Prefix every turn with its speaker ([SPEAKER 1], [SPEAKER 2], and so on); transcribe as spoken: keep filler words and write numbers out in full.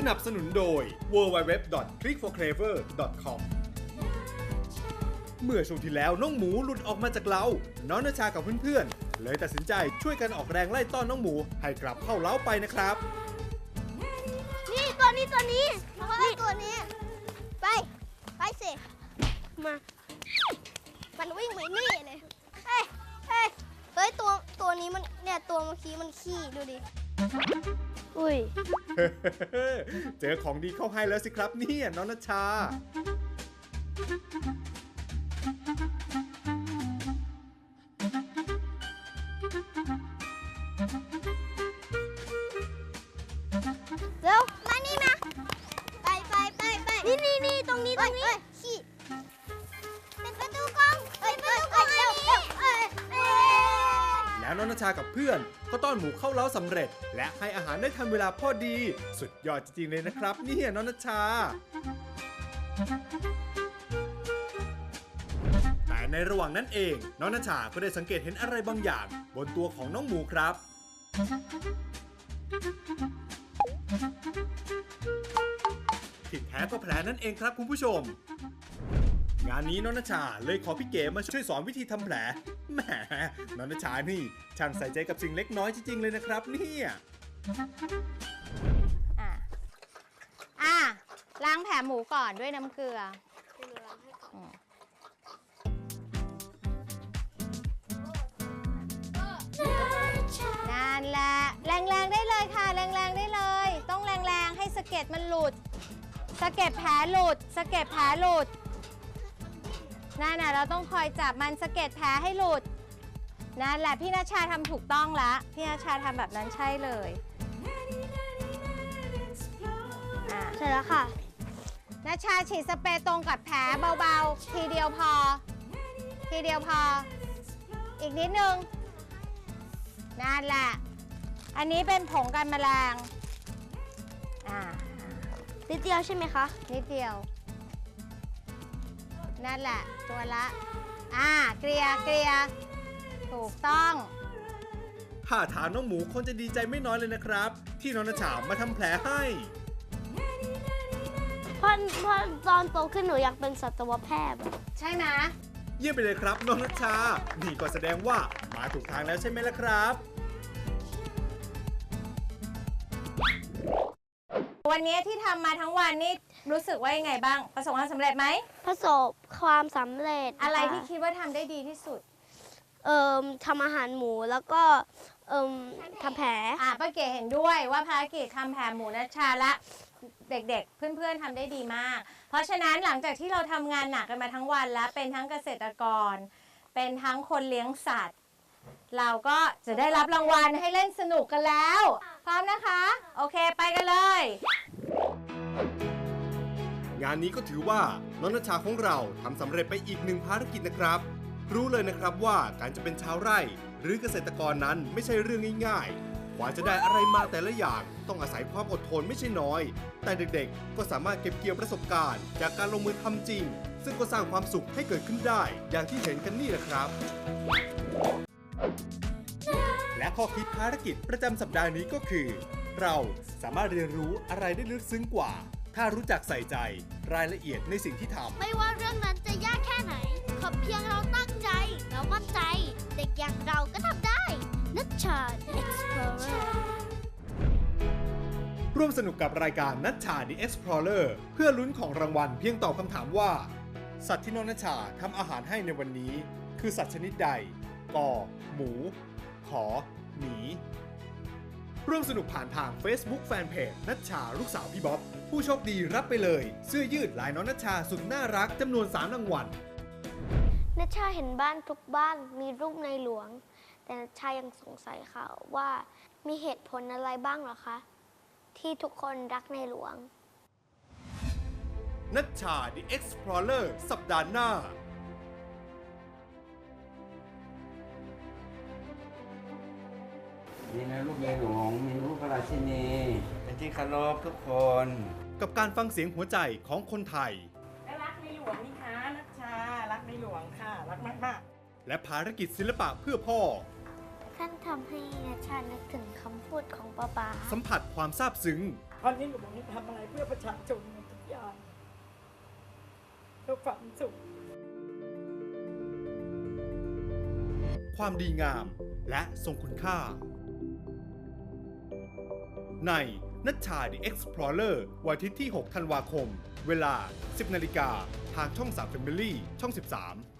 [SPEAKER 1] นับสนุนโดย ดับเบิลยู ดับเบิลยู ดับเบิลยู ดอท คลิก ฟอร์ เคลเวอร์ ดอท คอม เมื่อช่วงที่แล้วน้องหมูหลุดออกมาจากเล้าน้องณชากับเพื่อนๆเลยตัดสินใจช่วยกันออกแรงไล่ต้อนน้องหมูให้กลับเข้าเล้าไปนะครับ
[SPEAKER 2] นี่ตัวนี้ตัวนี้นี่ตัวนี้ไปไปสิมามันวิ่งไปนี่เลยเฮ้ยเฮ้ยเฮ้ยตัวตัวนี้มันเนี่ยตัวเมื่อกี้มันขี้ดูดิอุ้ย
[SPEAKER 1] เจอของดีเข้าให้แล้วสิครับเนี่ยน้องณชา
[SPEAKER 2] เร็วมานี่มาไปไปไปไปนี่นี่นี่ตรงนี้ตรงนี้ขี้เป็นประตูกองเป็นประตูกองอันนี้
[SPEAKER 1] แล้วน้องณชากับเพื่อนก็ต้อนหมูเข้าเล้าสำเร็จและให้อาหารได้ทันเวลาพอดีสุดยอดจริงๆเลยนะครับเนี่ยน้องณชาแต่ในระหว่างนั้นเองน้องณชาก็ได้สังเกตเห็นอะไรบางอย่างบนตัวของน้องหมูครับที่แท้ก็แผลนั่นเองครับคุณผู้ชมงานนี้น้องณชาเลยขอพี่เก๋มาช่วยสอนวิธีทำแผลแหมน้องณชานี่ช่างใส่ใจกับสิ่งเล็กน้อยจริงๆเลยนะครับเนี่ย
[SPEAKER 3] อ่ะอ่ะล้างแผลหมูก่อนด้วยน้ำเกลือนั่นแหละแรงๆได้เลยค่ะแรงๆได้เลยต้องแรงๆให้สะเก็ดมันหลุดสะเก็ดแผลหลุดสะเก็ดแผลหลุดนั่นน่ะเราต้องคอยจับมันสะเก็ดแผลให้หลุดนั่นแหละพี่ณชาทำถูกต้องละพี่ณชาทำแบบนั้นใช่เลย
[SPEAKER 2] เสร็จแล้วค่ะ
[SPEAKER 3] ณชาฉีดสเปรย์ตรงกับแผลเบาๆทีเดียวพอทีเดียวพออีกนิดนึงนั่นแหละอันนี้เป็นผงกันแมลงอ่า
[SPEAKER 2] นิดเดียวใช่ไหมคะ
[SPEAKER 3] นิดเดียวนั่นแหละตัวละอ่าเกลียเกลียถูกต้อง
[SPEAKER 1] ท่าทางน้องหมูคงจะดีใจไม่น้อยเลยนะครับที่น้องณชามาทำแผลให้
[SPEAKER 2] เพราะเพราะตอนโตขึ้นหนูอยากเป็นสัตวแพทย์
[SPEAKER 3] ใช่ไหม
[SPEAKER 1] เยี่ยมไปเลยครับน้องณชานี่ก็แสดงว่ามาถูกทางแล้วใช่ไหมล่ะครับ
[SPEAKER 3] วันนี้ที่ทำมาทั้งวันนี่รู้สึกว่ายังไงบ้างประสบความสำเร็จไหม
[SPEAKER 2] ประสบความสำเร็จ
[SPEAKER 3] อะไรที่คิดว่าทำได้ดีที่สุด
[SPEAKER 2] เอ่อทำอาหารหมูแล้วก็เอ่อทำแผล
[SPEAKER 3] อ่ะป้าเก๋เห็นด้วยว่าภารกิจทำแผลหมูณชาและเด็กๆเพื่อนๆทำได้ดีมากเพราะฉะนั้นหลังจากที่เราทำงานหนักกันมาทั้งวันแล้วเป็นทั้งเกษตรกรเป็นทั้งคนเลี้ยงสัตว์เราก็จะได้รับรางวัลให้เล่นสนุกกันแล้วพร้อมนะคะโอเคไปกันเลย
[SPEAKER 1] งานนี้ก็ถือว่าน้องณชาของเราทำสำเร็จไปอีกหนึ่งภารกิจนะครับรู้เลยนะครับว่าการจะเป็นชาวไร่หรือเกษตรกรนั้นไม่ใช่เรื่องง่ายๆกว่าจะได้อะไรมาแต่ละอย่างต้องอาศัยความอดทนไม่ใช่น้อยแต่เด็กๆก็สามารถเก็บเกี่ยวประสบการณ์จากการลงมือทำจริงซึ่งก็สร้างความสุขให้เกิดขึ้นได้อย่างที่เห็นกันนี่แหละครับและข้อคิดภารกิจประจำสัปดาห์นี้ก็คือเราสามารถเรียนรู้อะไรได้ลึกซึ้งกว่าถ้ารู้จักใส่ใจรายละเอียดในสิ่งที่ทำ
[SPEAKER 2] ไม่ว่าเรื่องนั้นจะยากแค่ไหนขอเพียงเราตั้งใจเรามั่นใจเด็กอย่างเราก็ทำได้ณชา Explorer
[SPEAKER 1] ร่วมสนุกกับรายการณชา The Explorer เพื่อลุ้นของรางวัลเพียงตอบคำถามว่าสัตว์ที่น้องณชาทำอาหารให้ในวันนี้คือสัตว์ชนิดใดกอหมูขอหมีร่วมสนุกผ่านทาง Facebook Fanpage ณชาลูกสาวพี่บ๊อบผู้โชคดีรับไปเลยเสื้อยืดลายน้องณชาสุดน่ารักจำนวนสามรางวัล
[SPEAKER 2] ณชาเห็นบ้านทุกบ้านมีรูปในหลวงแต่ณชายังสงสัยค่ะว่ามีเหตุผลอะไรบ้างหรอคะที่ทุกคนรักในหลวง
[SPEAKER 1] ณชา The Explorer สัปดาห์หน้า
[SPEAKER 4] นี่นะลูกในหลวงมีลูกพระราชินีเป็นที่เคารพทุกคน
[SPEAKER 1] กับการฟังเสียงหัวใจของคนไทย
[SPEAKER 5] รักในหลวงนี่คะณชารักในหลวงค่ะรักมาก
[SPEAKER 1] ๆและภารกิจศิลปะเพื่อพ่อ
[SPEAKER 2] ท่านทำให้ณชานึกถึงคำพูดของป้าป๋า
[SPEAKER 1] สัมผัสความซาบซึ้ง
[SPEAKER 5] เพราะในหลวงนี่ทำอะไรเพื่อประชาชนทุกอย่างเพื่อความสุข
[SPEAKER 1] ความดีงามและทรงคุณค่า ในนัชชา The Explorer วันอาทิตย์ที่ หก ธันวาคม เวลา สิบ นาฬิกาทางช่อง สาม Family ช่อง สิบสาม